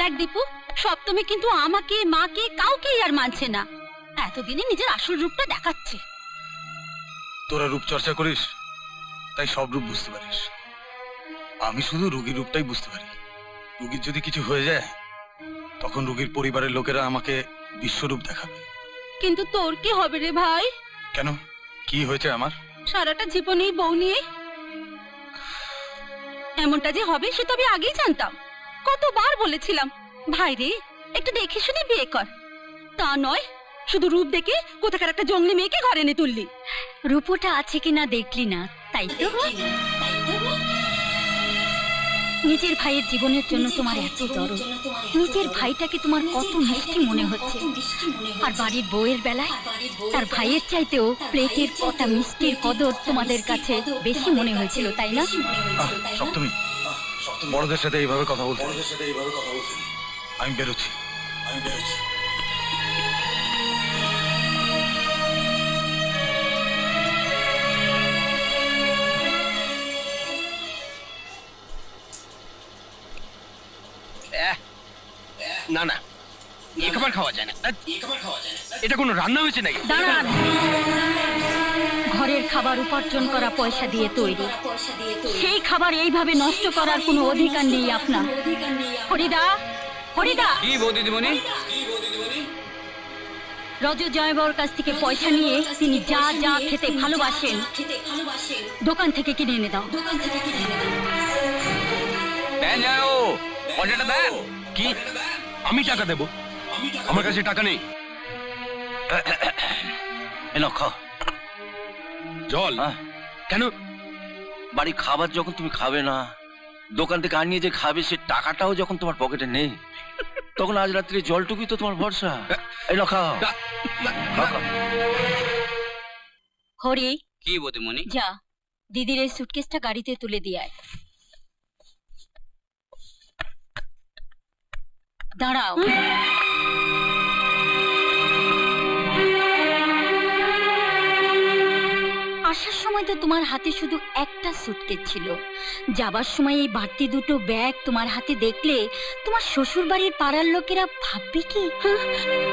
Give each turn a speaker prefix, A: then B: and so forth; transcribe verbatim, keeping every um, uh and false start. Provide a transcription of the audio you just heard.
A: দেখ দীপু, সপ্তমী কিন্তু আমাকে, মাকে, কাউকেই আর মানছে না। এতদিনে নিজের আসল রূপটা দেখাচ্ছে।
B: তোরা রূপ চর্চা করিস তাই সব রূপ বুঝতে পারিস। আমি শুধু রোগীর রূপটাই বুঝতে পারি। রোগীর যদি কিছু হয়ে যায় তখন রোগীর পরিবারের লোকেরা আমাকে বিশ্বরূপ দেখাবে।
A: কিন্তু তোর কি হবে রে ভাই?
B: কেন, কি হয়েছে আমার?
A: সারাটা জীবনে বউ নিয়ে এমনটা যে হবে সে তো আমি আগেই জানতাম। কতবার বলেছিলাম ভাই রে একটু দেখে শুনে বিয়ে কর, তা নয় শুধু রূপ দেখে কোথাকার একটা জঙ্গলি মেয়েকে ঘরে এনে তুললি। রূপটা আছে কিনা দেখলি না, তাই তো। নিজের ভাইয়ের জীবনের জন্য তোমার এত দরদ, নিজের ভাইটাকে তোমার কত মিষ্টি মনে হচ্ছে, আর বাড়ির বউয়ের বেলায় তার ভাইয়ের চাইতেও প্লেটের কটা মিষ্টির কদর তোমাদের কাছে বেশি মনে হয়েছিল, তাই না?
B: সপ্তমী, বড়দের সাথে এইভাবে কথা বলতে আমি বেরোচ্ছি। আমি বেরোচ্ছি।
C: না না, এ খাবার খাওয়া যায় না। এটা কোনো রান্না হয়েছে নাকি?
A: দাঁড়ান, ঘরের খাবার উপার্জন করা পয়সা দিয়ে তৈরি, সেই খাবার এইভাবে নষ্ট করার কোনো অধিকার নেই আপনার। হরিদা, হরিদা।
C: কি বৌদিদিমণি?
A: রজ জয়বাবুর কাছ থেকে পয়সা নিয়ে তিনি যা যা খেতে ভালোবাসেন দোকান থেকে কিনে এনে দাও।
C: দেন যাও, পয়সাটা দেন। কি আমি টাকা দেব? আমার কাছে টাকা নেই।
D: এনো খাও
C: জল। কেন?
D: বাড়ি খাবার যখন তুমি খাবে না, দোকান থেকে আনিয়ে যে খাবে সে টাকাটাও যখন তোমার পকেটে নেই, তখন আজ রাত্রে জলটুকুই তো তোমার ভরসা। এনো খাও।
A: হরি,
C: কি বৌদিমণি?
A: যা দিদির এই সুটকেসটা গাড়িতে তুলে দিয়ে আয়। দাঁড়াও, আসার সময় তো তোমার হাতে শুধু একটা সুটকেস ছিল, যাবার সময় এই বাড়তি দুটো ব্যাগ তোমার হাতে দেখলে তোমার শ্বশুর বাড়ির পাড়ার লোকেরা ভাববে কি?